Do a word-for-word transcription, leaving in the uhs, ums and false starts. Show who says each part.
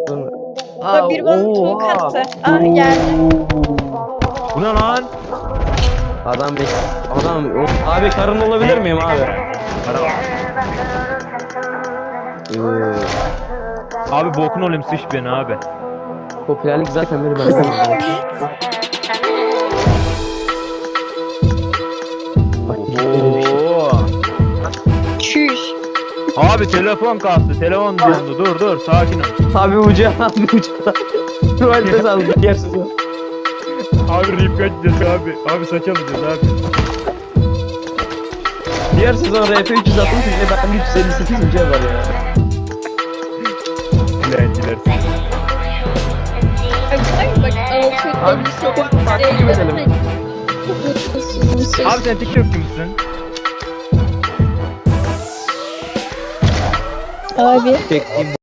Speaker 1: Dur.
Speaker 2: Aa, bir bana
Speaker 1: oha.
Speaker 2: tuğ attı. Ah geldi.
Speaker 3: Bu ne lan?
Speaker 1: Adam bir adam abi karın olabilir miyim abi? Ee,
Speaker 3: Abi bokun olayım sıç beni abi.
Speaker 1: popülerlik zaten beni benden aldı. Bak böyle bir şey.
Speaker 3: Oo.
Speaker 2: Çüş.
Speaker 3: Abi telefon kastı. Telefon dondu. Dur dur sakin ol.
Speaker 1: Abi ucu abi ucu. Tuvalete saldı yersiz o.
Speaker 3: Abi rip kaçacağız abi. Abi saç alacağız abi.
Speaker 1: Diğer sezon R P üç yüz altmış ve ben üç yüz elli sekiz ucu var ya.
Speaker 3: Dilenciler.
Speaker 2: Bak bak altı
Speaker 1: Abi biz çok takip edelim.
Speaker 3: Abi sen TikTokçu musun?
Speaker 2: Abi.
Speaker 1: Çektiğim